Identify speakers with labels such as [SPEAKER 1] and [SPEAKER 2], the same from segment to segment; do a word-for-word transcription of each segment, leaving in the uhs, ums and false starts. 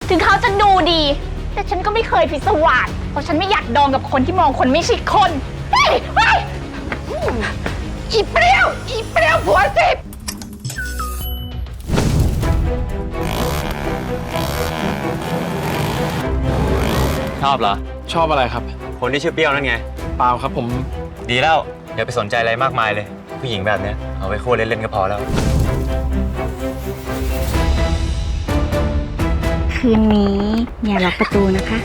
[SPEAKER 1] ถึงเขาจะดูดี แต่ฉันก็ไม่เคยพิศวาสเพราะฉันไม่อยากดองกับคนที่มองคนไม่ใช่คนเฮ้ยเฮ้ยอีเปรี้ยวอีเปรี้ยวผัวสิบ
[SPEAKER 2] ชอบเหรอ
[SPEAKER 3] ชอบอะไรครับ
[SPEAKER 2] คนที่ชื่อเปรี้ยวนั่นไง
[SPEAKER 3] เปล่าครับผม
[SPEAKER 2] ดีแล้วอย่าไปสนใจอะไรมากมายเลยผู้หญิงแบบเนี้ยเอาไว้คู่เล่นๆก็พอแล้ว
[SPEAKER 1] คืนนี้อย่าล็อกประตูนะคะ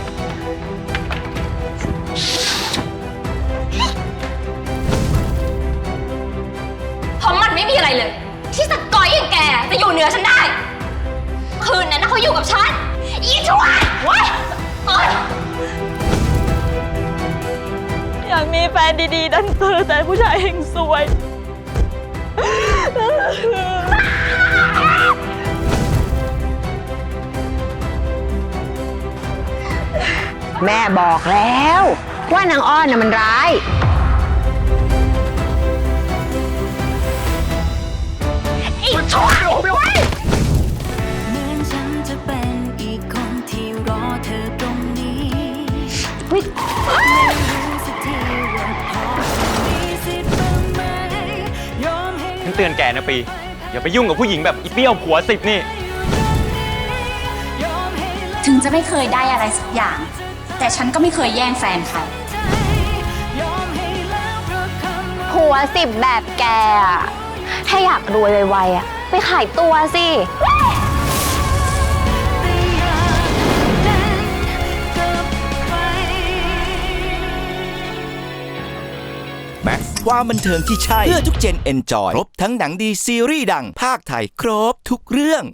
[SPEAKER 4] เพราะมันไม่มีอะไรเลยที่สกอยอย่างแกจะอยู่เหนือฉันได้คืนนั้นนะเขาอยู่กับฉันอีชวนเว้ยโอ๊ย
[SPEAKER 1] อยากมีแฟนดีๆดันเจอแต่ผู้ชายเฮงซวย
[SPEAKER 5] แม่บอกแล้วว่านางอ้อนน่ะมันร้าย
[SPEAKER 1] อีชั่วไม่ไหว
[SPEAKER 6] เหมือนฉันจะเป็นอีกคนที่รอเธอตรงนี้ไม่รู้สักทีว่าพอมีสิทธิ์บ้างไหมยอมให้
[SPEAKER 2] ฉันเตือนแกนะปีอย่าไปยุ่งกับผู้หญิงแบบอีเปรี้ยวผัวสิบนี่
[SPEAKER 4] ถึงจะไม่เคยได้อะไรสักอย่างแต่ฉันก็ไม่เคยแย่งแฟนใคร
[SPEAKER 1] ผัวสิบแบบแกอะถ้าอยากรวยไวๆอะไปขายตัวสิ
[SPEAKER 7] แม็กซ์ความบันเทิงที่ใช่เพื่อทุกเจนเอนจอยครบทั้งหนังดีซีรีส์ดังภาคไทยครบทุกเรื่อง